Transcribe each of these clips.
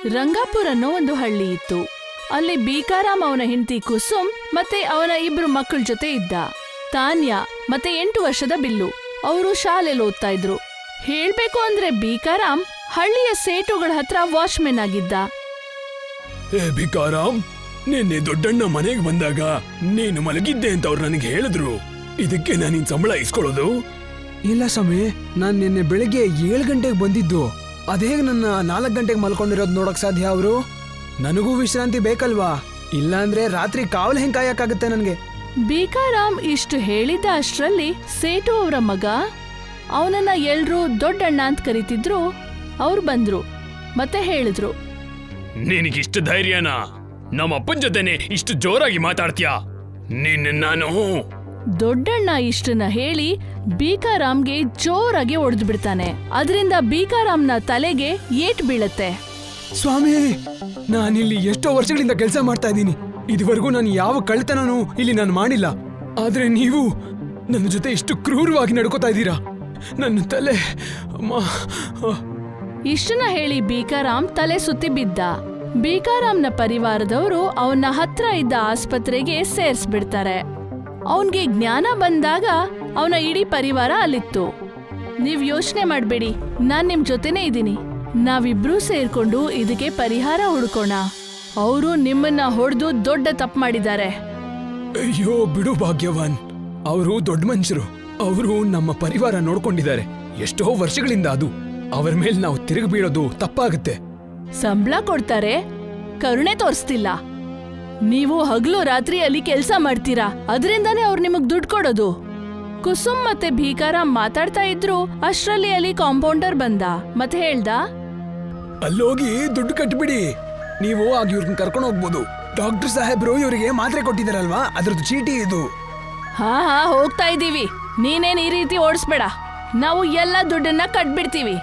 ರಂಗಾಪುರ್ ಅನ್ನೋ ಒಂದು ಹಳ್ಳಿ ಇತ್ತು. ಅಲ್ಲಿ ಬೀಕಾರಾಮ್ ಅವನ ಹೆಂಡತಿ ಕುಸುಮ್ ಮತ್ತೆ ಅವನ 2 ಮಕ್ಕಳ ಜೊತೆ ಇದ್ದ. ತಾನ್ಯಾ ಮತ್ತೆ 8 ವರ್ಷದ ಬಿಲ್ಲು. ಅವರು ಶಾಲೆಯಲ್ಲಿ ಓದ್ತಾ ಇದ್ರು. ಹೇಳ್ಬೇಕು ಅಂದ್ರೆ ಬೀಕಾರಾಮ್ ಹಳ್ಳಿಯ ಸೇಟುಗಳ ಹತ್ರ ವಾಚ್ಮೆನ್ ಆಗಿದ್ದ. ಏ ಭಿಕಾರಾಮ್, ನಿನ್ನೆ ದೊಡ್ಡಣ್ಣ ಮನೆಗೆ ಬಂದಾಗ ನೀನು ಮಲಗಿದ್ದೆ ಅಂತ ಅವ್ರು ನನಗೆ ಹೇಳಿದ್ರು. ಇದಕ್ಕೆ ನಾನು ನಿನ್ ಸಂಬಳ ಇಸ್ಕೊಳ್ಳೋದು? ಇಲ್ಲ ಸ್ವಾಮಿ, ನಾನ್ ನಿನ್ನೆ ಬೆಳಿಗ್ಗೆ 7 ಗಂಟೆಗೆ ಬಂದಿದ್ದು. ಅದೇಗ್ ನನ್ನ 4 ಗಂಟೆಗೆ ಮಲ್ಕೊಂಡಿರೋದು ನೋಡಕ್ ಸಾಧ್ಯ ಅವರು? ನನಗೂ ವಿಶ್ರಾಂತಿ ಬೇಕಲ್ವಾ? ಇಲ್ಲಾಂದ್ರೆ ರಾತ್ರಿ ಕಾವಲು ಹೆಂಗ್ ಕಾಯಕ್ಕಾಗತ್ತೆ ನನ್ಗೆ? ಬೀಕಾರಾಮ್ ಇಷ್ಟು ಹೇಳಿದ್ದ ಅಷ್ಟ್ರಲ್ಲಿ ಸೇಟು ಅವರ ಮಗ, ಅವನನ್ನ ಎಲ್ರೂ ದೊಡ್ಡಣ್ಣ ಅಂತ ಕರೀತಿದ್ರು, ಅವ್ರು ಬಂದ್ರು ಮತ್ತೆ ಹೇಳಿದ್ರು, ನಿನಗಿಷ್ಟು ಧೈರ್ಯನಾ? ನಮ್ಮ ಅಪ್ಪನ ಜೊತೆನೆ ಇಷ್ಟು ಜೋರಾಗಿ ಮಾತಾಡ್ತೀಯಾ? ನಾನು ದೊಡ್ಡಣ್ಣ ಇಷ್ಟನ್ನ ಹೇಳಿ ಬೀಕಾರಾಮ್ಗೆ ಜೋರಾಗಿ ಒಡೆದು ಬಿಡ್ತಾನೆ. ಅದರಿಂದ ಬೀಕಾರಾಮ್ನ ತಲೆಗೆ ಏಟ್ ಬೀಳತ್ತೆ. ಸ್ವಾಮಿ, ನಾನಿಲ್ಲಿ ಎಷ್ಟೋ ವರ್ಷಗಳಿಂದ ಕೆಲಸ ಮಾಡ್ತಾ ಇದ್ದೀನಿ. ಇದುವರೆಗೂ ನಾನು ಯಾವ ಕಳ್ತನೂ ಇಲ್ಲಿ ನಾನು ಮಾಡಿಲ್ಲ. ಆದ್ರೆ ನೀವು ನನ್ನ ಜೊತೆ ಇಷ್ಟು ಕ್ರೂರವಾಗಿ ನಡ್ಕೋತಾ ಇದ್ದೀರಾ. ನನ್ನ ತಲೆ ಇಷ್ಟನ್ನ ಹೇಳಿ ಬೀಕಾರಾಮ್ ತಲೆ ಸುತ್ತಿ ಬಿದ್ದ. ಬೀಕಾರಾಮ್ನ ಪರಿವಾರದವರು ಅವನ ಹತ್ರ ಇದ್ದ ಆಸ್ಪತ್ರೆಗೆ ಸೇರ್ಸ್ಬಿಡ್ತಾರೆ. ಅವನ್ಗೆ ಜ್ಞಾನ ಬಂದಾಗ ಅವನ ಇಡೀ ಪರಿವಾರ ಅಲ್ಲಿತ್ತು. ನೀವ್ ಯೋಚನೆ ಮಾಡ್ಬೇಡಿ, ನಾನ್ ನಿಮ್ ಜೊತೆನೇ ಇದ್ದೀನಿ. ನಾವಿಬ್ರೂ ಸೇರ್ಕೊಂಡು ಇದಕ್ಕೆ ಪರಿಹಾರ ಹುಡ್ಕೋಣ. ಅವರು ನಿಮ್ಮನ್ನ ಹೊಡೆದು ದೊಡ್ಡ ತಪ್ಪು ಮಾಡಿದ್ದಾರೆ. ಅಯ್ಯೋ ಬಿಡು ಭಾಗ್ಯವಾನ್, ಅವರು ದೊಡ್ಡ ಮನುಷ್ಯರು. ಅವರು ನಮ್ಮ ಪರಿವಾರ ನೋಡ್ಕೊಂಡಿದ್ದಾರೆ ಎಷ್ಟೋ ವರ್ಷಗಳಿಂದ. ಅದು ಅವರ ಮೇಲೆ ನಾವು ತಿರುಗಿ ಬೀಳೋದು ತಪ್ಪಾಗುತ್ತೆ. ಸಂಬಳ ಕೊಡ್ತಾರೆ, ಕರುಣೆ ತೋರಿಸ್ತಿಲ್ಲ. ನೀವು ಹಗಲು ರಾತ್ರಿ ಅಲ್ಲಿ ಕೆಲ್ಸ ಮಾಡ್ತೀರಾ, ಅದರಿಂದಾನೇ ಅವ್ರು ನಿಮಗ್ ದುಡ್ಡು ಕೊಡೋದು. ಕುಸುಮ್ ಮತ್ತೆ ಬೀಕಾರಾಮ್ ಮಾತಾಡ್ತಾ ಇದ್ರು. ಅಷ್ಟ್ರಲ್ಲಿ ಅಲ್ಲಿ ಕಾಂಪೌಂಡರ್ ಬಂದ ಮತ್ತೆ ಹೇಳ್ದ, ಅಲ್ಲೋಗಿ ದುಡ್ಡು ಕಟ್ಬಿಡಿ. ನೀವು ಆಗ ಇವ್ರನ್ನ ಕರ್ಕೊಂಡು ಹೋಗ್ಬೋದು. ಡಾಕ್ಟರ್ ಸಾಹೇಬ್ರು ಇವರಿಗೆ ಮಾತ್ರೆ ಕೊಟ್ಟಿದಾರಲ್ವಾ, ಅದ್ರದ್ದು ಚೀಟಿ ಇದು. ಹಾ ಹೋಗ್ತಾ ಇದೀವಿ, ನೀನೇನ್ ಈ ರೀತಿ ಓಡಿಸ್ಬೇಡ, ನಾವು ಎಲ್ಲ ದುಡ್ಡನ್ನ ಕಟ್ಬಿಡ್ತೀವಿ.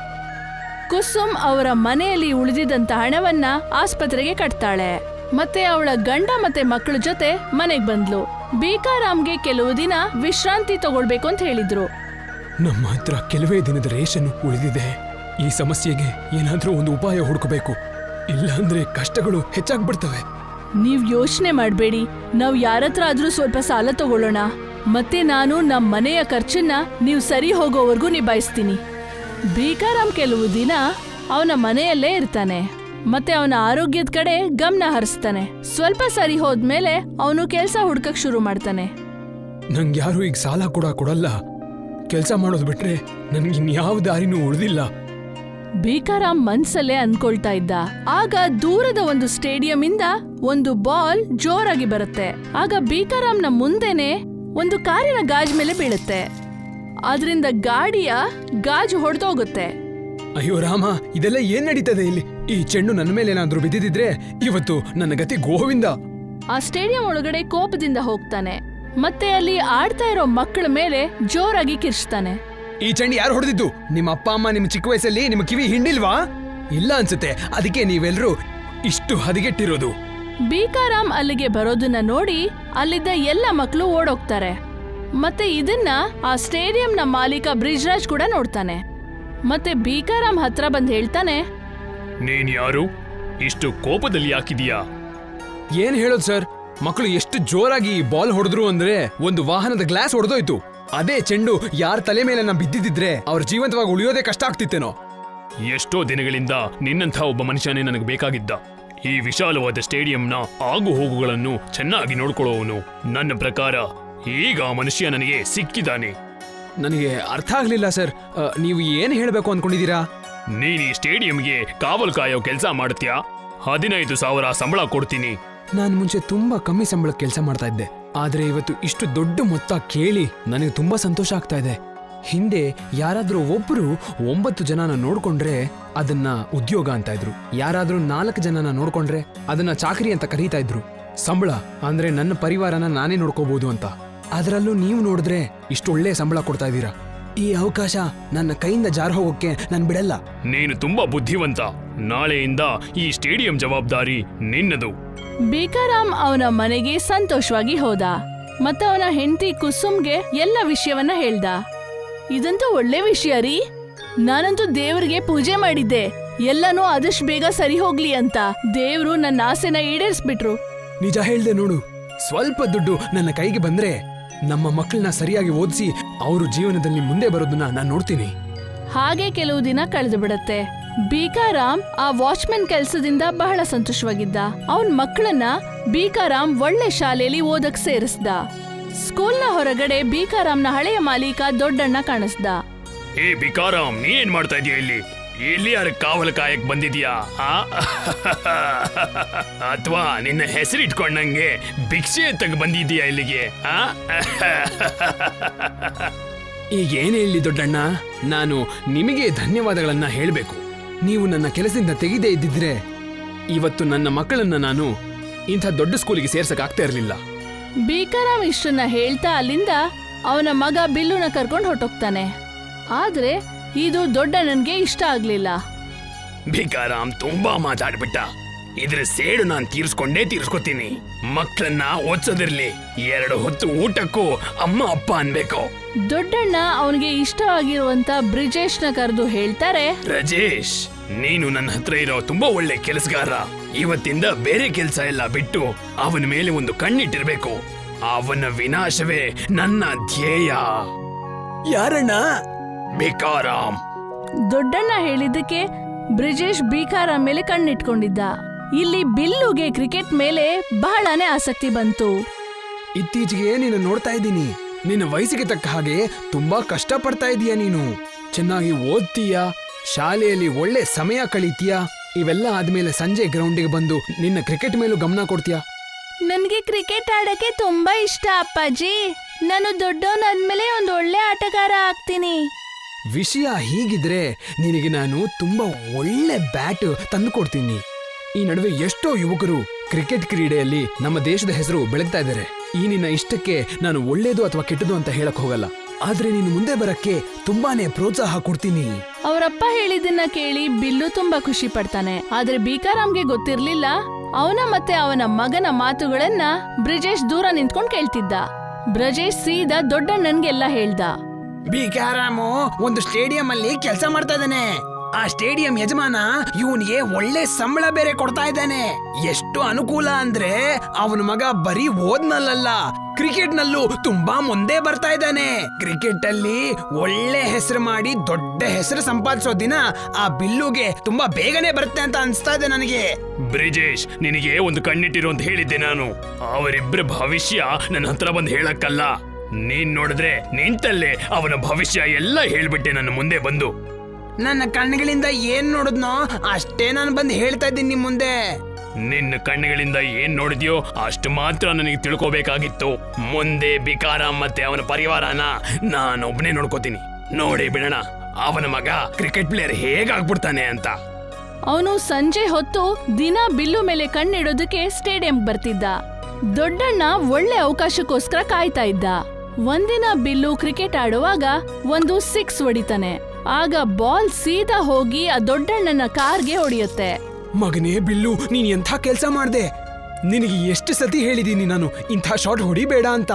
ಕುಸುಮ್ ಅವರ ಮನೆಯಲ್ಲಿ ಉಳಿದಿದ್ದಂತ ಹಣವನ್ನ ಆಸ್ಪತ್ರೆಗೆ ಕಟ್ತಾಳೆ. ಮತ್ತೆ ಅವಳ ಗಂಡ ಮತ್ತೆ ಮಕ್ಕಳ ಜೊತೆ ಮನೆಗ್ ಬಂದ್ಲು. ಬೀಕಾರಾಮ್ಗೆ ಕೆಲವು ದಿನ ವಿಶ್ರಾಂತಿ ತಗೊಳ್ಬೇಕು ಅಂತ ಹೇಳಿದ್ರು. ನಮ್ಮ ಹತ್ರ ಕೆಲವೇ ದಿನದ ರೇಷನ್ ಉಳಿದಿದೆ. ಈ ಸಮಸ್ಯೆಗೆ ಏನಾದ್ರೂ ಒಂದು ಉಪಾಯ ಹುಡುಕಬೇಕು, ಇಲ್ಲ ಅಂದ್ರೆ ಕಷ್ಟಗಳು ಹೆಚ್ಚಾಗ್ಬಿಡ್ತವೆ. ನೀವ್ ಯೋಚನೆ ಮಾಡ್ಬೇಡಿ, ನಾವ್ ಯಾರತ್ರ ಆದ್ರೂ ಸ್ವಲ್ಪ ಸಾಲ ತಗೊಳ್ಳೋಣ. ಮತ್ತೆ ನಾನು ನಮ್ ಮನೆಯ ಖರ್ಚನ್ನ ನೀವ್ ಸರಿ ಹೋಗೋವರೆಗೂ ನಿಭಾಯಿಸ್ತೀನಿ. ಬೀಕಾರಾಮ್ ಕೆಲವು ದಿನ ಅವನ ಮನೆಯಲ್ಲೇ ಇರ್ತಾನೆ ಮತ್ತೆ ಅವನ ಆರೋಗ್ಯದ ಕಡೆ ಗಮನ ಹರಿಸ್ತಾನೆ. ಸ್ವಲ್ಪ ಸರಿ ಹೋದ್ಮೇಲೆ ಅವನು ಕೆಲ್ಸ ಹುಡ್ಕಕ್ ಶುರು ಮಾಡ್ತಾನೆ. ನಂಗೆ ಯಾರು ಈಗ ಸಾಲ ಕೂಡ ಕೊಡಲ್ಲ. ಕೆಲ್ಸ ಮಾಡೋದು ಬಿಟ್ರೆ ನನ್ಗಿನ್ಯಾವ ದಾರಿನೂ ಉಳಿದಿಲ್ಲ. ಬೀಕಾರಾಮ್ ಮನ್ಸಲ್ಲೇ ಅನ್ಕೊಳ್ತಾ ಇದ್ದ. ಆಗ ದೂರದ ಒಂದು ಸ್ಟೇಡಿಯಂ ಇಂದ ಒಂದು ಬಾಲ್ ಜೋರಾಗಿ ಬರುತ್ತೆ. ಆಗ ಬೀಕಾರಾಮ್ನ ಮುಂದೆನೆ ಒಂದು ಕಾರಿನ ಗಾಜ್ ಮೇಲೆ ಬೀಳುತ್ತೆ. ಆದ್ರಿಂದ ಗಾಡಿಯ ಗಾಜು ಹೊಡೆದೋಗುತ್ತೆ. ಅಯ್ಯೋ ರಾಮ, ಇದೆಲ್ಲ ಏನ್ ನಡೀತದೆ ಇಲ್ಲಿ? ಈ ಚೆಂಡು ನನ್ನ ಮೇಲೆ ಏನಾದ್ರೂ ಬಿದ್ದಿದ್ರೆ ಇವತ್ತು ನನ್ನ ಗತಿ ಗೋವಿಂದ. ಆ ಸ್ಟೇಡಿಯಂ ಒಳಗಡೆ ಕೋಪದಿಂದ ಹೋಗ್ತಾನೆ ಮತ್ತೆ ಅಲ್ಲಿ ಆಡ್ತಾ ಇರೋ ಮಕ್ಕಳ ಮೇಲೆ ಜೋರಾಗಿ ಕಿರ್ಚ್ತಾನೆ. ಈ ಚೆಂಡು ಯಾರು ಹೊಡೆದಿದ್ದು? ನಿಮ್ಮ ಅಪ್ಪ ಅಮ್ಮ ನಿಮ್ಮ ಚಿಕ್ಕ ವಯಸ್ಸಲ್ಲಿ ನಿಮ್ಮ ಕಿವಿ ಹಿಂಡಿಲ್ವಾ? ಇಲ್ಲ ಅನ್ಸುತ್ತೆ, ಅದಕ್ಕೆ ನೀವೆಲ್ಲರೂ ಇಷ್ಟು ಹದಗೆಟ್ಟಿರೋದು. ಬೀಕಾರಾಮ್ ಅಲ್ಲಿಗೆ ಬರೋದನ್ನ ನೋಡಿ ಅಲ್ಲಿದ್ದ ಎಲ್ಲ ಮಕ್ಕಳು ಓಡೋಗ್ತಾರೆ. ಮತ್ತೆ ಇದನ್ನ ಆ ಸ್ಟೇಡಿಯಂನ ಮಾಲೀಕ ಬ್ರಿಜ್ರಾಜ್ ಕೂಡ ನೋಡ್ತಾನೆ. ಮತ್ತೆ ಬೀಕಾರಾಮ್ ಹತ್ರ ಬಂದ್ ಹೇಳ್ತಾನೆ, ನೀನ್ ಯಾರು? ಇಷ್ಟು ಕೋಪದಲ್ಲಿ ಯಾಕಿದೀಯಾ? ಏನ್ ಹೇಳೋದು ಸರ್, ಮಕ್ಕಳು ಎಷ್ಟು ಜೋರಾಗಿ ಬಾಲ್ ಹೊಡೆದ್ರು ಅಂದ್ರೆ ಒಂದು ವಾಹನದ ಗ್ಲಾಸ್ ಹೊಡೆದೋಯ್ತು. ಅದೇ ಚೆಂಡು ಯಾರ ತಲೆ ಮೇಲೆ ನಾ ಬಿದ್ದಿದ್ರೆ ಅವ್ರ ಜೀವಂತವಾಗಿ ಉಳಿಯೋದೇ ಕಷ್ಟ ಆಗ್ತಿತ್ತೇನೋ. ಎಷ್ಟೋ ದಿನಗಳಿಂದ ನಿನ್ನಂಥ ಒಬ್ಬ ಮನುಷ್ಯನೇ ನನಗೆ ಬೇಕಾಗಿದ್ದ. ಈ ವಿಶಾಲವಾದ ಸ್ಟೇಡಿಯಂನ ಆಗು ಹೋಗುಗಳನ್ನು ಚೆನ್ನಾಗಿ ನೋಡ್ಕೊಳ್ಳೋವನು. ನನ್ನ ಪ್ರಕಾರ ಈಗ ಆ ಮನುಷ್ಯ ನನಗೆ ಸಿಕ್ಕಿದ್ದಾನೆ. ನನಗೆ ಅರ್ಥ ಆಗ್ಲಿಲ್ಲ ಸರ್, ನೀವು ಏನ್ ಹೇಳ್ಬೇಕು ಅನ್ಕೊಂಡಿದೀರಾ? ನೀನ್ ಈ ಸ್ಟೇಡಿಯಂಗೆ ಕಾವಲು ಕಾಯೋ ಕೆಲಸ ಮಾಡ್ತೀಯಾ? 15,000 ಸಂಬಳ ಕೊಡ್ತೀನಿ. ನಾನು ಮುಂಚೆ ತುಂಬಾ ಕಮ್ಮಿ ಸಂಬಳಕ್ಕೆ ಕೆಲಸ ಮಾಡ್ತಾ ಇದ್ದೆ, ಆದ್ರೆ ಇವತ್ತು ಇಷ್ಟು ದೊಡ್ಡ ಮೊತ್ತ ಕೇಳಿ ನನಗೆ ತುಂಬಾ ಸಂತೋಷ ಆಗ್ತಾ ಇದೆ. ಹಿಂದೆ ಯಾರಾದ್ರೂ ಒಬ್ರು 9 ಜನನ ನೋಡ್ಕೊಂಡ್ರೆ ಅದನ್ನ ಉದ್ಯೋಗ ಅಂತ ಇದ್ರು. ಯಾರಾದ್ರೂ 4 ಜನನ ನೋಡ್ಕೊಂಡ್ರೆ ಅದನ್ನ ಚಾಕರಿ ಅಂತ ಕರೀತಾ ಇದ್ರು. ಸಂಬಳ ಅಂದ್ರೆ ನನ್ನ ಪರಿವಾರನ ನಾನೇ ನೋಡ್ಕೋಬಹುದು ಅಂತ. ಅದರಲ್ಲೂ ನೀವು ನೋಡಿದ್ರೆ ಇಷ್ಟು ಒಳ್ಳೆ ಸಂಬಳ ಕೊಡ್ತಾ ಇದ್ದೀರಾ. ಈ ಅವಕಾಶ ನನ್ನ ಕೈಯಿಂದ ಜಾರ ಹೋಗೋಕೆ ನಾನು ಬಿಡಲ್ಲ. ನೀನು ತುಂಬಾ ಬುದ್ಧಿವಂತ. ನಾಳೆಯಿಂದ ಈ ಸ್ಟೇಡಿಯಂ ಜವಾಬ್ದಾರಿ ನಿನ್ನದು. ಬೀಕಾರಾಮ್ ಅವನ ಮನೆಗೆ ಸಂತೋಷವಾಗಿ ಹೋದ ಮತ್ತೆ ಅವನ ಹೆಂಡತಿ ಕುಸುಮ್ಗೆ ಎಲ್ಲ ವಿಷಯವನ್ನ ಹೇಳ್ದ. ಇದಂತೂ ಒಳ್ಳೆ ವಿಷಯ ರೀ, ನಾನಂತೂ ದೇವರಿಗೆ ಪೂಜೆ ಮಾಡಿದ್ದೆ. ಎಲ್ಲನೂ ಆದಷ್ಟು ಬೇಗ ಸರಿ ಹೋಗ್ಲಿ ಅಂತ ದೇವ್ರು ನನ್ನ ಆಸೆನ ಈಡೇರಿಸ್ಬಿಟ್ರು. ನಿಜ ಹೇಳ್ದೆ ನೋಡು, ಸ್ವಲ್ಪ ದುಡ್ಡು ನನ್ನ ಕೈಗೆ ಬಂದ್ರೆ ನಮ್ಮ ಮಕ್ಕಳನ್ನ ಸರಿಯಾಗಿ ಓದಿಸಿ ಅವರು ಜೀವನದಲ್ಲಿ ಮುಂದೆ ಬರೋದನ್ನ ನಾನು ನೋಡ್ತೀನಿ. ಹಾಗೆ ಕೆಲವು ದಿನ ಕಳೆದು ಬಿಡತ್ತೆ. ಬೀಕಾರಾಮ್ ಆ ವಾಚ್ಮನ್ ಕೆಲ್ಸದಿಂದ ಬಹಳ ಸಂತೋಷವಾಗಿದ್ದ. ಅವನ್ ಮಕ್ಕಳನ್ನ ಬೀಕಾರಾಮ್ ಒಳ್ಳೆ ಶಾಲೆಯಲ್ಲಿ ಓದಕ್ ಸೇರಿಸ್ದ. ಸ್ಕೂಲ್ನ ಹೊರಗಡೆ ಬೀಕಾರಾಮ್ನ ಹಳೆಯ ಮಾಲೀಕ ದೊಡ್ಡಣ್ಣ ಕಾಣಿಸ್ದ. ಏ ಬಿಕಾರಾಮ್, ನೀನೇನ್ ಮಾಡ್ತಾ ಇದೀಯ ಇಲ್ಲಿ? ಇಲ್ಲಿ ಯಾರ ಕಾವಲು ಕಾಯಕ್ ಬಂದಿದ್ಯಾ? ಅಥವಾ ನಿನ್ನ ಹೆಸರಿಟ್ಕೊಂಡಂಗೆ ಭಿಕ್ಷೆ ತಗ ಬಂದಿದ್ಯಾ ಇಲ್ಲಿಗೆ? ಈಗ ಏನ್ ಹೇಳಿ ದೊಡ್ಡಣ್ಣ, ನಾನು ನಿಮಗೆ ಧನ್ಯವಾದಗಳನ್ನ ಹೇಳಬೇಕು. ನೀವು ನನ್ನ ಕೆಲಸದಿಂದ ತೆಗೆದೇ ಇದ್ದಿದ್ರೆ ಇವತ್ತು ನನ್ನ ಮಕ್ಕಳನ್ನ ನಾನು ಇಂಥ ದೊಡ್ಡ ಸ್ಕೂಲಿಗೆ ಸೇರ್ಸಕ್ ಆಗ್ತಾ ಇರಲಿಲ್ಲ. ಬೀಕಾರಾಮ್ ಇಷ್ಟನ್ನ ಹೇಳ್ತಾ ಅಲ್ಲಿಂದ ಅವನ ಮಗ ಬಿಲ್ಲುನ ಕರ್ಕೊಂಡು ಹೊರಟೋಗ್ತಾನೆ. ಆದ್ರೆ ಇದು ದೊಡ್ಡಣ್ಣನ್ಗೆ ಇಷ್ಟ ಆಗ್ಲಿಲ್ಲ. ಬಿಕಾರಾಮ್ ತುಂಬಾ ಮಾತಾಡ್ಬಿಟ್ಟ. ಇದ್ರ ಸೇಡು ನಾನ್ ತೀರ್ಸ್ಕೊತೀನಿ. ಮಕ್ಕಳನ್ನ ಓದ್ಸೋದಿರ್ಲಿ, 2 ಹೊತ್ತು ಊಟಕ್ಕೂ ಅಮ್ಮ ಅಪ್ಪ ಅನ್ಬೇಕು. ದೊಡ್ಡಣ್ಣ ಅವನಿಗೆ ಇಷ್ಟವಾಗಿರುವಂತ ಬ್ರಿಜೇಶ್ನ ಕರೆದು ಹೇಳ್ತಾರೆ, ರಾಜೇಶ್, ನೀನು ನನ್ನ ಹತ್ರ ಇರೋ ತುಂಬಾ ಒಳ್ಳೆ ಕೆಲಸಗಾರ. ಇವತ್ತಿಂದ ಬೇರೆ ಕೆಲಸ ಎಲ್ಲ ಬಿಟ್ಟು ಅವನ ಮೇಲೆ ಒಂದು ಕಣ್ಣಿಟ್ಟಿರ್ಬೇಕು. ಅವನ ವಿನಾಶವೇ ನನ್ನ ಧ್ಯೇಯ. ಯಾರಣ್ಣ? ಬಿಕಾರಾಮ್. ದೊಡ್ಡಣ್ಣ ಹೇಳಿದ್ದಕ್ಕೆ ಬ್ರಿಜೇಶ್ ಬೀಕಾರಾಮ್ ಮೇಲೆ ಕಣ್ಣಿಟ್ಕೊಂಡಿದ್ದ. ಇಲ್ಲಿ ಬಿಲ್ಲುಗೆ ಕ್ರಿಕೆಟ್ ಮೇಲೆ ಬಹಳನೇ ಆಸಕ್ತಿ ಬಂತು. ಇತ್ತೀಚೆಗೆ ನೀನು ನೋಡ್ತಾ ಇದ್ದೀನಿ, ನಿನ್ನ ವಯಸ್ಸಿಗೆ ತಕ್ಕ ಹಾಗೆ ತುಂಬಾ ಕಷ್ಟ ಪಡ್ತಾ ಇದೀಯ. ನೀನು ಚೆನ್ನಾಗಿ ಓದ್ತೀಯಾ, ಶಾಲೆಯಲ್ಲಿ ಒಳ್ಳೆ ಸಮಯ ಕಳೀತೀಯಾ. ಇವೆಲ್ಲ ಆದ್ಮೇಲೆ ಸಂಜೆ ಗ್ರೌಂಡಿಗೆ ಬಂದು ನಿನ್ನ ಕ್ರಿಕೆಟ್ ಮೇಲೂ ಗಮನ ಕೊಡ್ತೀಯಾ. ನನ್ಗೆ ಕ್ರಿಕೆಟ್ ಆಡಕ್ಕೆ ತುಂಬಾ ಇಷ್ಟ ಅಪ್ಪಾಜಿ. ನಾನು ದೊಡ್ಡವನಾದ್ಮೇಲೆ ಒಂದು ಒಳ್ಳೆ ಆಟಗಾರ ಆಗ್ತೀನಿ. ವಿಷಯ ಹೀಗಿದ್ರೆ ನಿನಗೆ ನಾನು ತುಂಬಾ ಒಳ್ಳೆ ಬ್ಯಾಟ್ ತಂದು ಕೊಡ್ತೀನಿ. ಈ ನಡುವೆ ಎಷ್ಟೋ ಯುವಕರು ಕ್ರಿಕೆಟ್ ಕ್ರೀಡೆಯಲ್ಲಿ ನಮ್ಮ ದೇಶದ ಹೆಸರು ಬೆಳಗ್ತಾ ಇದ್ದಾರೆ. ಈ ನಿನ್ನ ಇಷ್ಟಕ್ಕೆ ನಾನು ಒಳ್ಳೇದು ಅಥವಾ ಕೆಟ್ಟದು ಅಂತ ಹೇಳಕ್ ಹೋಗಲ್ಲ, ಆದ್ರೆ ನೀನು ಮುಂದೆ ಬರಕ್ಕೆ ತುಂಬಾನೇ ಪ್ರೋತ್ಸಾಹ ಕೊಡ್ತೀನಿ. ಅವರಪ್ಪ ಹೇಳಿದ್ದನ್ನ ಕೇಳಿ ಬಿಲ್ಲು ತುಂಬಾ ಖುಷಿ ಪಡ್ತಾನೆ. ಆದ್ರೆ ಬೀಕಾರಾಮ್ಗೆ ಗೊತ್ತಿರ್ಲಿಲ್ಲ, ಅವನ ಮತ್ತೆ ಅವನ ಮಗನ ಮಾತುಗಳನ್ನ ಬ್ರಿಜೇಶ್ ದೂರ ನಿಂತ್ಕೊಂಡ್ ಕೇಳ್ತಿದ್ದ. ಬ್ರಜೇಶ್ ಸೀದಾ ದೊಡ್ಡಣ್ಣನ್ಗೆಲ್ಲ ಹೇಳ್ದ. ಬೀಕಾರಾಮು ಒಂದು ಸ್ಟೇಡಿಯಂ ಅಲ್ಲಿ ಕೆಲಸ ಮಾಡ್ತಾ ಇದ್ದಾನೆ. ಆ ಸ್ಟೇಡಿಯಂ ಯಜಮಾನ ಇವನಿಗೆ ಒಳ್ಳೆ ಸಂಬಳ ಬೇರೆ ಕೊಡ್ತಾ ಇದ್ದಾನೆ. ಎಷ್ಟು ಅನುಕೂಲ ಅಂದ್ರೆ ಅವನ ಮಗ ಬರೀ ಓದ್ನಲ್ಲ, ಕ್ರಿಕೆಟ್ ನಲ್ಲೂ ತುಂಬಾ ಮುಂದೆ ಬರ್ತಾ ಇದ್ದಾನೆ. ಕ್ರಿಕೆಟ್ ಅಲ್ಲಿ ಒಳ್ಳೆ ಹೆಸರು ಮಾಡಿ ದೊಡ್ಡ ಹೆಸರು ಸಂಪಾದಿಸೋ ದಿನ ಆ ಬಿಲ್ಲುಗೆ ತುಂಬಾ ಬೇಗನೆ ಬರುತ್ತೆ ಅಂತ ಅನ್ಸ್ತಾ ಇದೆ ನನಗೆ. ಬ್ರಿಜೇಶ್, ನಿನಗೆ ಒಂದು ಕಣ್ಣಿಟ್ಟಿರು ಅಂತ ಹೇಳಿದ್ದೆ ನಾನು. ಅವರಿಬ್ಬರ ಭವಿಷ್ಯ ನನ್ನ ಹತ್ರ ಬಂದು ಹೇಳಕ್ಕಲ್ಲ. ನೀನ್ ನೋಡಿದ್ರೆ ನಿಂತಲ್ಲೇ ಅವನ ಭವಿಷ್ಯ ಎಲ್ಲ ಹೇಳ್ಬಿಟ್ಟೆ ನನ್ನ ಮುಂದೆ ಬಂದು. ನನ್ನ ಕಣ್ಣುಗಳಿಂದ ಏನ್ ನೋಡಿದ್ನೋ ಅಷ್ಟೇ ನಾನು ಬಂದು ಹೇಳ್ತಾ ಇದ್ದೀನಿ ನಿಮ್ ಮುಂದೆ. ನಿನ್ನ ಕಣ್ಣುಗಳಿಂದ ಏನ್ ನೋಡಿದ್ಯೋ ಅಷ್ಟು ಮಾತ್ರ ನನಗೆ ತಿಳ್ಕೋಬೇಕಾಗಿತ್ತು. ಮುಂದೆ ಬಿಕಾರಾಮ್ ಮತ್ತೆ ಅವನ ಪರಿವಾರನ ನಾನೊಬ್ನೇ ನೋಡ್ಕೋತೀನಿ. ನೋಡಿ ಬಿಡೋಣ ಅವನ ಮಗ ಕ್ರಿಕೆಟ್ ಪ್ಲೇಯರ್ ಹೇಗಾಗ್ಬಿಡ್ತಾನೆ ಅಂತ. ಅವನು ಸಂಜೆ ಹೊತ್ತು ದಿನ ಬಿಲ್ಲು ಮೇಲೆ ಕಣ್ಣಿಡೋದಕ್ಕೆ ಸ್ಟೇಡಿಯಂ ಬರ್ತಿದ್ದ. ದೊಡ್ಡಣ್ಣ ಒಳ್ಳೆ ಅವಕಾಶಕ್ಕೋಸ್ಕರ ಕಾಯ್ತಾ ಇದ್ದ. ಒಂದಿನ ಬಿಲ್ಲು ಕ್ರಿಕೆಟ್ ಆಡುವಾಗ ಒಂದು 6 ಹೊಡಿತಾನೆ. ಆಗ ಬಾಲ್ ಸೀದಾ ಹೋಗಿ ಆ ದೊಡ್ಡಣ್ಣನ ಕಾರ್ಗೆ ಹೊಡೆಯುತ್ತೆ. ಮಗನೇ ಬಿಲ್ಲು, ನೀನ್ ಎಂಥ ಕೆಲ್ಸ ಮಾಡ್ದೆ. ನಿನಗೆ ಎಷ್ಟು ಸತಿ ಹೇಳಿದೀನಿ ನಾನು ಇಂಥ ಶಾಟ್ ಹೊಡಿಬೇಡ ಅಂತ.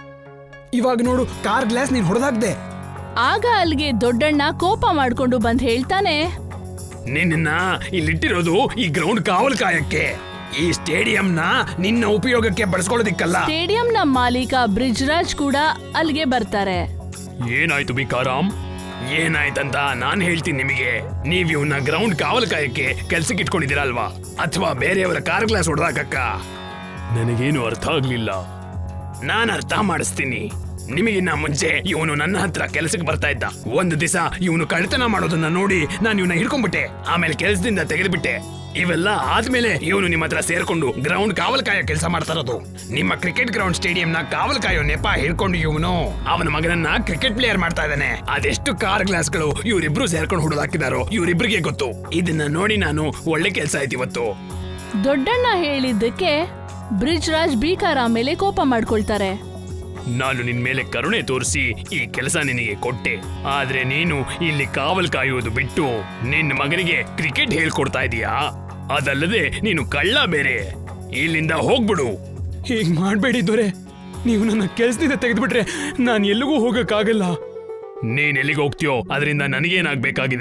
ಇವಾಗ ನೋಡು, ಕಾರ್ ಗ್ಲಾಸ್ ನೀನ್ ಹೊಡೆದಾಕ್ದೆ. ಆಗ ಅಲ್ಲಿಗೆ ದೊಡ್ಡಣ್ಣ ಕೋಪ ಮಾಡ್ಕೊಂಡು ಬಂದ್ ಹೇಳ್ತಾನೆ, ನಿನ್ನ ಇಲ್ಲಿಟ್ಟಿರೋದು ಈ ಗ್ರೌಂಡ್ ಕಾವಲು ಕಾಯಕ್ಕೆ. ಈ ಸ್ಟೇಡಿಯಂನ ನಿನ್ನ ಉಪಯೋಗಕ್ಕೆ ಬಳಸ್ಕೊಳ್ಳೋದಿಕ್ಕಲ್ಲ. ಸ್ಟೇಡಿಯಂನ ಮಾಲೀಕ ಬ್ರಿಜ್ರಾಜ್ ಕೂಡ ಅಲ್ಲಿಗೆ ಬರ್ತಾರೆ. ಏನಾಯ್ತು ಬಿಕಾರಾಮ್? ಏನಾಯ್ತಂತ ನಾನ್ ಹೇಳ್ತೀನಿ ನಿಮಗೆ. ನೀವ್ ಇವನ್ನ ಗ್ರೌಂಡ್ ಕಾವಲು ಕಾಯಕ್ಕೆ ಕೆಲ್ಸಕ್ಕೆ ಇಟ್ಕೊಂಡಿದ್ದೀರಾ ಅಲ್ವಾ, ಅಥವಾ ಬೇರೆಯವರ ಕಾರ್ ಗ್ಲಾಸ್ ಹೊಡೆದಾಕಕ್ಕ? ನನಗೇನು ಅರ್ಥ ಆಗ್ಲಿಲ್ಲ. ನಾನ್ ಅರ್ಥ ಮಾಡಿಸ್ತೀನಿ. ನಿಮಗಿನ್ನ ಮುಂಚೆ ಇವನು ನನ್ನ ಹತ್ರ ಕೆಲಸಕ್ಕೆ ಬರ್ತಾ ಇದ್ದ. ಒಂದು ದಿವಸ ಇವನು ಕಳ್ತನ ಮಾಡೋದನ್ನ ನೋಡಿ ನಾನು ಇವನ್ನ ಹಿಡ್ಕೊಂಡ್ಬಿಟ್ಟೆ. ಆಮೇಲೆ ಕೆಲಸದಿಂದ ತೆಗೆದುಬಿಟ್ಟೆ. ಇವೆಲ್ಲ ಆದ್ಮೇಲೆ ಇವನು ನಿಮ್ಮ ಹತ್ರ ಸೇರ್ಕೊಂಡು ಗ್ರೌಂಡ್ ಕಾವಲ್ ಕಾಯೋ ಕೆಲಸ ಮಾಡ್ತಾ ಇರೋದು. ನಿಮ್ಮ ಕ್ರಿಕೆಟ್ ಗ್ರೌಂಡ್ ಸ್ಟೇಡಿಯಂ ನ ಕಾವಲ್ ಕಾಯೋ ನೆಪ ಹಿಡ್ಕೊಂಡು ಇವನು ಅವನ ಮಗನನ್ನ ಕ್ರಿಕೆಟ್ ಪ್ಲೇಯರ್ ಮಾಡ್ತಾ ಇದ್ದಾನೆ. ಅದೆಷ್ಟು ಕಾರ್ ಗ್ಲಾಸ್ಗಳು ಇವರಿಬ್ರು ಸೇರ್ಕೊಂಡು ಹುಡುದಾಕಿದಾರೋ ಇವರಿಬ್ರಿಗೆ ಗೊತ್ತು. ಇದನ್ನ ನೋಡಿ ನಾನು ಒಳ್ಳೆ ಕೆಲಸ ಆಯ್ತು ಇವತ್ತು. ದೊಡ್ಡಣ್ಣ ಹೇಳಿದ್ದಕ್ಕೆ ಬ್ರಿಜ್ರಾಜ್ ಬೀಕಾರಾಮ್ ಮೇಲೆ ಕೋಪ ಮಾಡ್ಕೊಳ್ತಾರೆ. ನಾನು ನಿನ್ ಮೇಲೆ ಕರುಣೆ ತೋರಿಸಿ ಈ ಕೆಲಸ ನಿನಗೆ ಕೊಟ್ಟೆ, ಆದ್ರೆ ನೀನು ಇಲ್ಲಿ ಕಾವಲ್ ಕಾಯುವುದು ಬಿಟ್ಟು ನಿನ್ನ ಮಗನಿಗೆ ಕ್ರಿಕೆಟ್ ಹೇಳ್ಕೊಡ್ತಾ ಇದೀಯಾ. ಅದಲ್ಲದೆ ನೀನು ಕಳ್ಳ ಬೇರೆ. ಇಲ್ಲಿಂದ ಹೋಗ್ಬಿಡು. ಹೀಗ್ ಮಾಡ್ಬೇಡಿ ದೊರೆ, ನೀವು ನನ್ನ ಕೆಲಸದಿಂದ ತೆಗೆದ್ಬಿಟ್ರೆ ನಾನು ಎಲ್ಲಿಗೂ ಹೋಗಕ್ಕಾಗಲ್ಲ. ನೀನ್ ಎಲ್ಲಿಗೆ ಹೋಗ್ತೀಯೋ ಅದರಿಂದ ನನಗೇನಾಗ್ಬೇಕಾಗಿದೆ.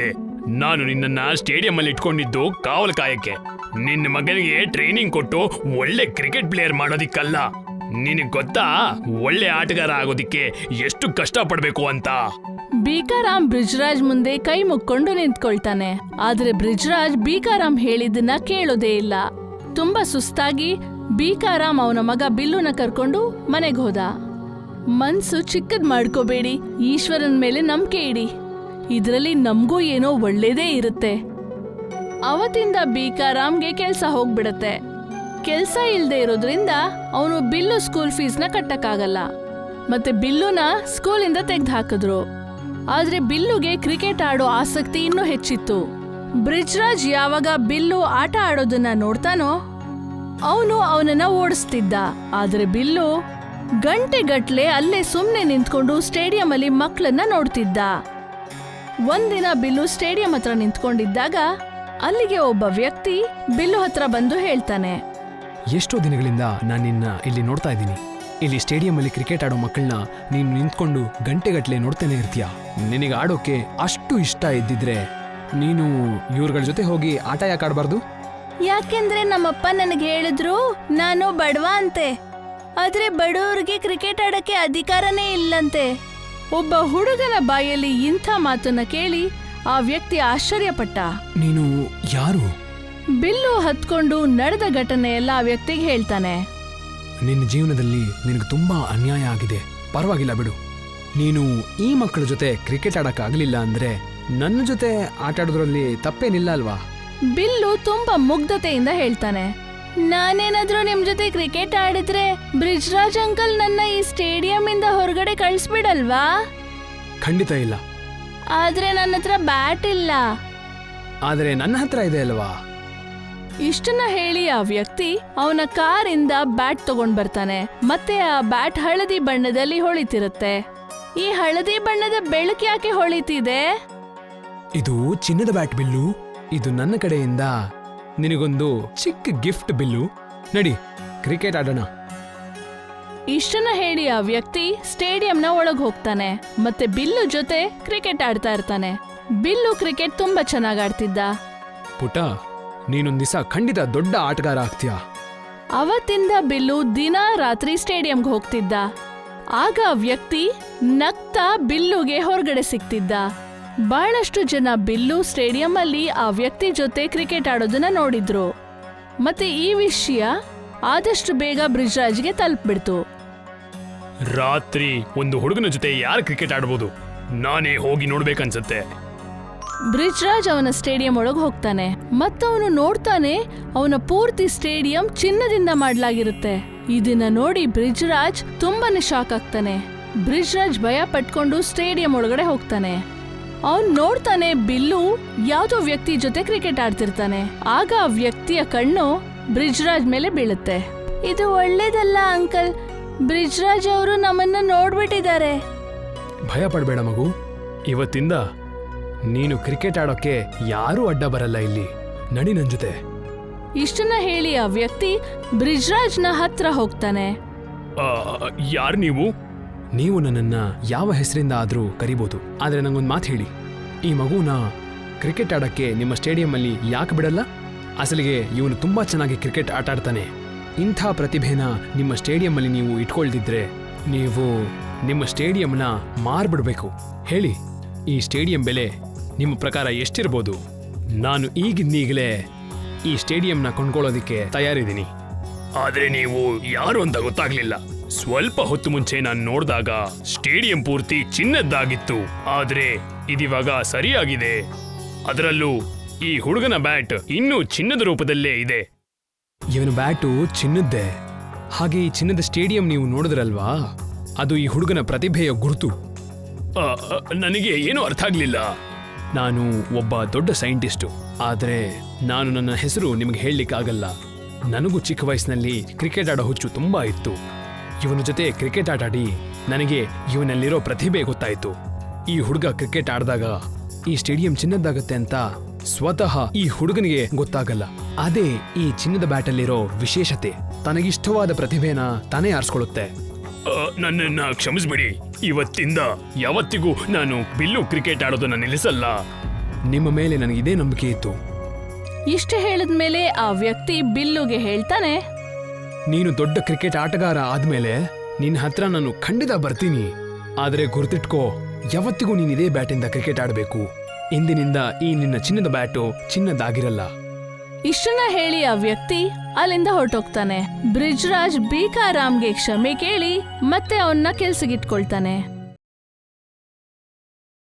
ನಾನು ನಿನ್ನನ್ನ ಸ್ಟೇಡಿಯಂ ಅಲ್ಲಿ ಇಟ್ಕೊಂಡಿದ್ದು ಕಾವಲು ಕಾಯಕ್ಕೆ. ನಿನ್ನ ಮಗನಿಗೆ ಟ್ರೈನಿಂಗ್ ಕೊಟ್ಟು ಒಳ್ಳೆ ಕ್ರಿಕೆಟ್ ಪ್ಲೇಯರ್ ಮಾಡೋದಿಕ್ಕಲ್ಲ. ನಿನಗ್ ಗೊತ್ತಾ ಒಳ್ಳೆ ಆಟಗಾರ ಆಗೋದಿಕ್ಕೆ ಎಷ್ಟು ಕಷ್ಟ ಪಡ್ಬೇಕು ಅಂತ? ಬೀಕಾರಾಮ್ ಬ್ರಿಜ್ರಾಜ್ ಮುಂದೆ ಕೈ ಮುಕ್ಕೊಂಡು ನಿಂತ್ಕೊಳ್ತಾನೆ. ಆದ್ರೆ ಬ್ರಿಜ್ರಾಜ್ ಬೀಕಾರಾಮ್ ಹೇಳಿದ್ದನ್ನ ಕೇಳೋದೇ ಇಲ್ಲ. ತುಂಬಾ ಸುಸ್ತಾಗಿ ಬೀಕಾರಾಮ್ ಅವನ ಮಗ ಬಿಲ್ಲುನ ಕರ್ಕೊಂಡು ಮನೆಗೆ ಹೋದ. ಮನ್ಸು ಚಿಕ್ಕದ್ ಮಾಡ್ಕೋಬೇಡಿ, ಈಶ್ವರನ್ ಮೇಲೆ ನಂಬಿಕೆ ಇಡಿ, ಇದ್ರಲ್ಲಿ ನಮ್ಗೂ ಏನೋ ಒಳ್ಳೇದೇ ಇರುತ್ತೆ. ಅವತ್ತಿಂದ ಬೀಕಾರಾಮ್ಗೆ ಕೆಲ್ಸ ಹೋಗ್ಬಿಡತ್ತೆ. ಕೆಲ್ಸ ಇಲ್ದೇ ಇರೋದ್ರಿಂದ ಅವನು ಬಿಲ್ಲು ಸ್ಕೂಲ್ ಫೀಸ್ನ ಕಟ್ಟಕ್ಕಾಗಲ್ಲ. ಮತ್ತೆ ಬಿಲ್ಲುನ ಸ್ಕೂಲಿಂದ ತೆಗ್ದು ಹಾಕಿದ್ರು. ಆದ್ರೆ ಬಿಲ್ಲುಗೆ ಕ್ರಿಕೆಟ್ ಆಡೋ ಆಸಕ್ತಿ ಇನ್ನೂ ಹೆಚ್ಚಿತ್ತು. ಬ್ರಿಜ್ರಾಜ್ ಯಾವಾಗ ಬಿಲ್ಲು ಆಟ ಆಡೋದನ್ನ ನೋಡ್ತಾನೋ ಅವನು ಅವನನ್ನ ಓಡಿಸ್ತಿದ್ದ. ಆದ್ರೆ ಬಿಲ್ಲು ಗಂಟೆಗಟ್ಲೆ ಅಲ್ಲೇ ಸುಮ್ನೆ ನಿಂತ್ಕೊಂಡು ಸ್ಟೇಡಿಯಂ ಅಲ್ಲಿ ಮಕ್ಕಳನ್ನ ನೋಡ್ತಿದ್ದ. ಒಂದಿನ ಬಿಲ್ಲು ಸ್ಟೇಡಿಯಂ ಹತ್ರ ನಿಂತ್ಕೊಂಡಿದ್ದಾಗ ಅಲ್ಲಿಗೆ ಒಬ್ಬ ವ್ಯಕ್ತಿ ಬಿಲ್ಲು ಹತ್ರ ಬಂದು ಹೇಳ್ತಾನೆ, ಎಷ್ಟೋ ದಿನಗಳಿಂದ ನಾನು ನಿನ್ನ ಇಲ್ಲಿ ನೋಡ್ತಾ ಇದ್ದೀನಿ. ಇಲ್ಲಿ ಸ್ಟೇಡಿಯಂ ಅಲ್ಲಿ ಕ್ರಿಕೆಟ್ ಆಡೋ ಮಕ್ಕಳನ್ನ ನೀನು ನಿಂತ್ಕೊಂಡು ಗಂಟೆಗಟ್ಲೆ ನೋಡ್ತಾನೆ ಇರ್ತೀಯ. ನಿನಗೆ ಆಡೋಕೆ ಅಷ್ಟು ಇಷ್ಟ ಇದ್ದಿದ್ರೆ ನೀನು ಇವ್ರಗಳ ಜೊತೆ ಹೋಗಿ ಆಟ ಯಾಕೆ ಆಡಬಾರ್ದು? ಯಾಕೆಂದ್ರೆ ನಮ್ಮಪ್ಪ ನನಗೆ ಹೇಳಿದ್ರು ನಾನು ಬಡವ ಅಂತೆ. ಆದ್ರೆ ಬಡವರಿಗೆ ಕ್ರಿಕೆಟ್ ಆಡಕ್ಕೆ ಅಧಿಕಾರನೇ ಇಲ್ಲಂತೆ. ಒಬ್ಬ ಹುಡುಗನ ಬಾಯಲ್ಲಿ ಇಂಥ ಮಾತನ್ನ ಕೇಳಿ ಆ ವ್ಯಕ್ತಿ ಆಶ್ಚರ್ಯಪಟ್ಟ. ನೀನು ಯಾರು? ಬಿಲ್ಲು ಹತ್ಕೊಂಡು ನಡೆದ ಘಟನೆ ಎಲ್ಲ ಆ ವ್ಯಕ್ತಿಗೆ ಹೇಳ್ತಾನೆ. ನಿನ್ನ ಜೀವನದಲ್ಲಿ ನಿನಗೆ ತುಂಬಾ ಅನ್ಯಾಯ ಆಗಿದೆ. ಪರವಾಗಿಲ್ಲ ಬಿಡು. ನೀನು ಈ ಮಕ್ಕಳ ಜೊತೆ ಕ್ರಿಕೆಟ್ ಆಡಕ್ಕಾಗಲಿಲ್ಲ ಅಂದ್ರೆ ನನ್ನ ಜೊತೆ ಆಟ ಆಡೋದ್ರಲ್ಲಿ ತಪ್ಪೇನಿಲ್ಲ ಅಲ್ವಾ? ಬಿಲ್ಲು ತುಂಬಾ ಮುಗ್ಧತೆಯಿಂದ ಹೇಳ್ತಾನೆ, ನಾನೇನಾದ್ರೂ ನಿಮ್ ಜೊತೆ ಕ್ರಿಕೆಟ್ ಆಡಿದ್ರೆ ಬ್ರಿಜ್ರಾಜ್ ಅಂಕಲ್ ನನ್ನ ಈ ಸ್ಟೇಡಿಯಂ ಇಂದ ಹೊರಗಡೆ ಕಳಿಸ್ಬಿಡಲ್ವಾ? ಖಂಡಿತ ಇಲ್ಲ. ಆದ್ರೆ ನನ್ನ ಹತ್ರ ಬ್ಯಾಟ್ ಇಲ್ಲ. ಆದರೆ ನನ್ನ ಹತ್ರ ಇದೆ ಅಲ್ವಾ? ಇಷ್ಟನ್ನ ಹೇಳಿ ಆ ವ್ಯಕ್ತಿ ಅವನ ಕಾರಿಂದ ಬ್ಯಾಟ್ ತಗೊಂಡ್ ಬರ್ತಾನೆ. ಮತ್ತೆ ಆ ಬ್ಯಾಟ್ ಹಳದಿ ಬಣ್ಣದಲ್ಲಿ ಹೊಳಿತಿರುತ್ತೆ. ಈ ಹಳದಿ ಬಣ್ಣದ ಬೆಳಕು ಯಾಕೆ ಹೊಳಿತಿದೆ? ಇದು ಚಿನ್ನದ ಬ್ಯಾಟ್ ಬಿಲ್ಲು. ಇದು ನನ್ನ ಕಡೆಯಿಂದ ನಿನಗೊಂದು ಚಿಕ್ಕ ಗಿಫ್ಟ್ ಬಿಲ್ಲು. ನಡಿ ಕ್ರಿಕೆಟ್ ಆಡೋಣ. ಇಷ್ಟನ್ನ ಹೇಳಿ ಆ ವ್ಯಕ್ತಿ ಸ್ಟೇಡಿಯಂನ ಒಳಗ್ ಹೋಗ್ತಾನೆ. ಮತ್ತೆ ಬಿಲ್ಲು ಜೊತೆ ಕ್ರಿಕೆಟ್ ಆಡ್ತಾ ಇರ್ತಾನೆ. ಬಿಲ್ಲು ಕ್ರಿಕೆಟ್ ತುಂಬಾ ಚೆನ್ನಾಗ್ ಆಡ್ತಿದ್ದ. ಪುಟ, ನೀನೊಂದ್ ದಿವಸ ಖಂಡಿತ ದೊಡ್ಡ ಆಟಗಾರ ಆಗ್ತೀಯ. ಅವತ್ತಿಂದ ಬಿಲ್ಲು ದಿನಾ ರಾತ್ರಿ ಸ್ಟೇಡಿಯಂಗೆ ಹೋಗ್ತಿದ್ದ. ಆಗ ಆ ವ್ಯಕ್ತಿ ನಗ್ತಾ ಬಿಲ್ಲುಗೆ ಹೊರಗಡೆ ಸಿಗ್ತಿದ್ದ. ಬಹಳಷ್ಟು ಜನ ಬಿಲ್ಲು ಸ್ಟೇಡಿಯಂ ಅಲ್ಲಿ ಆ ವ್ಯಕ್ತಿ ಜೊತೆ ಕ್ರಿಕೆಟ್ ಆಡೋದನ್ನ ನೋಡಿದ್ರು. ಮತ್ತೆ ಈ ವಿಷಯ ಆದಷ್ಟು ಬೇಗ ಬ್ರಿಜ್ರಾಜ್ಗೆ ತಲುಪ್ಬಿಡ್ತು. ರಾತ್ರಿ ಒಂದು ಹುಡುಗನ ಜೊತೆ ಯಾರು ಕ್ರಿಕೆಟ್ ಆಡ್ಬೋದು? ನಾನೇ ಹೋಗಿ ನೋಡ್ಬೇಕನ್ಸತ್ತೆ. ಬ್ರಿಜ್ರಾಜ್ ಅವನ ಸ್ಟೇಡಿಯಂ ಒಳಗೆ ಹೋಗ್ತಾನೆ. ಮತ್ತವನು ನೋಡ್ತಾನೆ ಅವನ ಪೂರ್ತಿ ಸ್ಟೇಡಿಯಂ ಚಿನ್ನದಿಂದ ಮಾಡ್ಲಾಗಿರುತ್ತೆ. ಇದನ್ನ ನೋಡಿ ಬ್ರಿಜ್ರಾಜ್ ತುಂಬಾನೇ ಶಾಕ್ ಆಗ್ತಾನೆ. ಬ್ರಿಜ್ರಾಜ್ ಭಯ ಪಟ್ಕೊಂಡು ಸ್ಟೇಡಿಯಂ ಒಳಗಡೆ ಹೋಗ್ತಾನೆ. ಅವನ್ ನೋಡ್ತಾನೆ ಬಿಲ್ಲು ಯಾವ್ದೋ ವ್ಯಕ್ತಿ ಜೊತೆ ಕ್ರಿಕೆಟ್ ಆಡ್ತಿರ್ತಾನೆ. ಆಗ ಆ ವ್ಯಕ್ತಿಯ ಕಣ್ಣು ಬ್ರಿಜ್ರಾಜ್ ಮೇಲೆ ಬೀಳುತ್ತೆ. ಇದು ಒಳ್ಳೇದಲ್ಲ ಅಂಕಲ್, ಬ್ರಿಜ್ರಾಜ್ ಅವರು ನಮ್ಮನ್ನ ನೋಡ್ಬಿಟ್ಟಿದ್ದಾರೆ. ಭಯ ಪಡ್ಬೇಡ ಮಗು. ಇವತ್ತಿಂದ ನೀನು ಕ್ರಿಕೆಟ್ ಆಡೋಕೆ ಯಾರೂ ಅಡ್ಡ ಬರಲ್ಲ ಇಲ್ಲಿ. ನಡಿ ನನ್ ಜೊತೆ. ಇಷ್ಟನ್ನ ಹೇಳಿ ಆ ವ್ಯಕ್ತಿ ಬ್ರಿಜ್ರಾಜ್ನ ಹತ್ರ ಹೋಗ್ತಾನೆ. ಯಾರು ನೀವು? ನೀವು ನನ್ನನ್ನ ಯಾವ ಹೆಸರಿಂದ ಆದ್ರೂ ಕರಿಬೋದು. ಆದ್ರೆ ನಂಗೊಂದು ಮಾತು ಹೇಳಿ, ಈ ಮಗುನ ಕ್ರಿಕೆಟ್ ಆಡಕ್ಕೆ ನಿಮ್ಮ ಸ್ಟೇಡಿಯಂ ಅಲ್ಲಿ ಯಾಕೆ ಬಿಡಲ್ಲ? ಅಸಲಿಗೆ ಇವನು ತುಂಬಾ ಚೆನ್ನಾಗಿ ಕ್ರಿಕೆಟ್ ಆಟ ಆಡ್ತಾನೆ. ಇಂಥ ಪ್ರತಿಭೆನ ನಿಮ್ಮ ಸ್ಟೇಡಿಯಂ ಅಲ್ಲಿ ನೀವು ಇಟ್ಕೊಳ್ದಿದ್ರೆ ನೀವು ನಿಮ್ಮ ಸ್ಟೇಡಿಯಂನ ಮಾರ್ಬಿಡ್ಬೇಕು. ಹೇಳಿ, ಈ ಸ್ಟೇಡಿಯಂ ಬೆಲೆ ನಿಮ್ಮ ಪ್ರಕಾರ ಎಷ್ಟಿರ್ಬೋದು? ನಾನು ಈಗಿಂದೀಗಲೇ ಈ ಸ್ಟೇಡಿಯಂನ ಕೊಂಡ್ಕೊಳ್ಳೋದಿಕ್ಕೆ ತಯಾರಿದ್ದೀನಿ. ಆದ್ರೆ ನೀವು ಯಾರು ಅಂತ ಗೊತ್ತಾಗ್ಲಿಲ್ಲ. ಸ್ವಲ್ಪ ಹೊತ್ತು ಮುಂಚೆ ನಾನು ನೋಡಿದಾಗ ಸ್ಟೇಡಿಯಂ ಪೂರ್ತಿ ಚಿನ್ನದ್ದಾಗಿತ್ತು. ಆದ್ರೆ ಇದಿವಾಗ ಸರಿಯಾಗಿದೆ. ಅದರಲ್ಲೂ ಈ ಹುಡುಗನ ಬ್ಯಾಟ್ ಇನ್ನೂ ಚಿನ್ನದ ರೂಪದಲ್ಲೇ ಇದೆ. ಇವನ ಬ್ಯಾಟು ಚಿನ್ನದ್ದೇ. ಹಾಗೆ ಈ ಚಿನ್ನದ ಸ್ಟೇಡಿಯಂ ನೀವು ನೋಡಿದ್ರಲ್ವಾ, ಅದು ಈ ಹುಡುಗನ ಪ್ರತಿಭೆಯ ಗುರುತು. ನನಗೆ ಏನೂ ಅರ್ಥ ಆಗ್ಲಿಲ್ಲ. ನಾನು ಒಬ್ಬ ದೊಡ್ಡ ಸೈಂಟಿಸ್ಟು. ಆದ್ರೆ ನಾನು ನನ್ನ ಹೆಸರು ನಿಮಗೆ ಹೇಳಲಿಕ್ಕಾಗಲ್ಲ. ನನಗೂ ಚಿಕ್ಕ ವಯಸ್ಸಿನಲ್ಲಿ ಕ್ರಿಕೆಟ್ ಆಡೋ ಹುಚ್ಚು ತುಂಬಾ ಇತ್ತು. ಇವನ ಜೊತೆ ಕ್ರಿಕೆಟ್ ಆಟಾಡಿ ನನಗೆ ಇವನಲ್ಲಿರೋ ಪ್ರತಿಭೆ ಗೊತ್ತಾಯಿತು. ಈ ಹುಡುಗ ಕ್ರಿಕೆಟ್ ಆಡಿದಾಗ ಈ ಸ್ಟೇಡಿಯಂ ಚಿನ್ನದ್ದಾಗತ್ತೆ ಅಂತ ಸ್ವತಃ ಈ ಹುಡುಗನಿಗೆ ಗೊತ್ತಾಗಲ್ಲ. ಅದೇ ಈ ಚಿನ್ನದ ಬ್ಯಾಟಲ್ಲಿರೋ ವಿಶೇಷತೆ. ತನಗಿಷ್ಟವಾದ ಪ್ರತಿಭೆನ ತಾನೇ ಆರಿಸ್ಕೊಳ್ಳುತ್ತೆ. ನನ್ನನ್ನ ಕ್ಷಮಿಸ್ಬಿಡಿ. ಇವತ್ತಿಂದ ಯಾವತ್ತಿಗೂ ನಾನು ಬಿಲ್ಲು ಕ್ರಿಕೆಟ್ ಆಡೋದನ್ನ ನಿಲ್ಲಿಸಲ್ಲ. ನಿಮ್ಮ ಮೇಲೆ ನನಗೆ ಇದೇ ನಂಬಿಕೆ ಇತ್ತು. ಇಷ್ಟು ಹೇಳಿದ್ಮೇಲೆ ಆ ವ್ಯಕ್ತಿ ಬಿಲ್ಲುಗೆ ಹೇಳ್ತಾನೆ, ನೀನು ದೊಡ್ಡ ಕ್ರಿಕೆಟ್ ಆಟಗಾರ ಆದ್ಮೇಲೆ ನಿನ್ನ ಹತ್ರ ನಾನು ಖಂಡಿತ ಬರ್ತೀನಿ. ಆದರೆ ಗುರ್ತಿಟ್ಕೋ, ಯಾವತ್ತಿಗೂ ನೀನ್ ಇದೇ ಬ್ಯಾಟಿಂದ ಕ್ರಿಕೆಟ್ ಆಡಬೇಕು. ಇಂದಿನಿಂದ ಈ ನಿನ್ನ ಚಿನ್ನದ ಬ್ಯಾಟು ಚಿನ್ನದಾಗಿರಲ್ಲ. ಇಷ್ಟನ್ನ ಹೇಳಿ ಆ ವ್ಯಕ್ತಿ ಅಲ್ಲಿಂದ ಹೊರಟೋಗ್ತಾನೆ. ಬ್ರಿಜ್ರಾಜ್ ಬೀಕಾರಾಮ್ಗೆ ಕ್ಷಮೆ ಕೇಳಿ ಮತ್ತೆ ಅವನ್ನ ಕೆಲ್ಸಗಿಟ್ಕೊಳ್ತಾನೆ.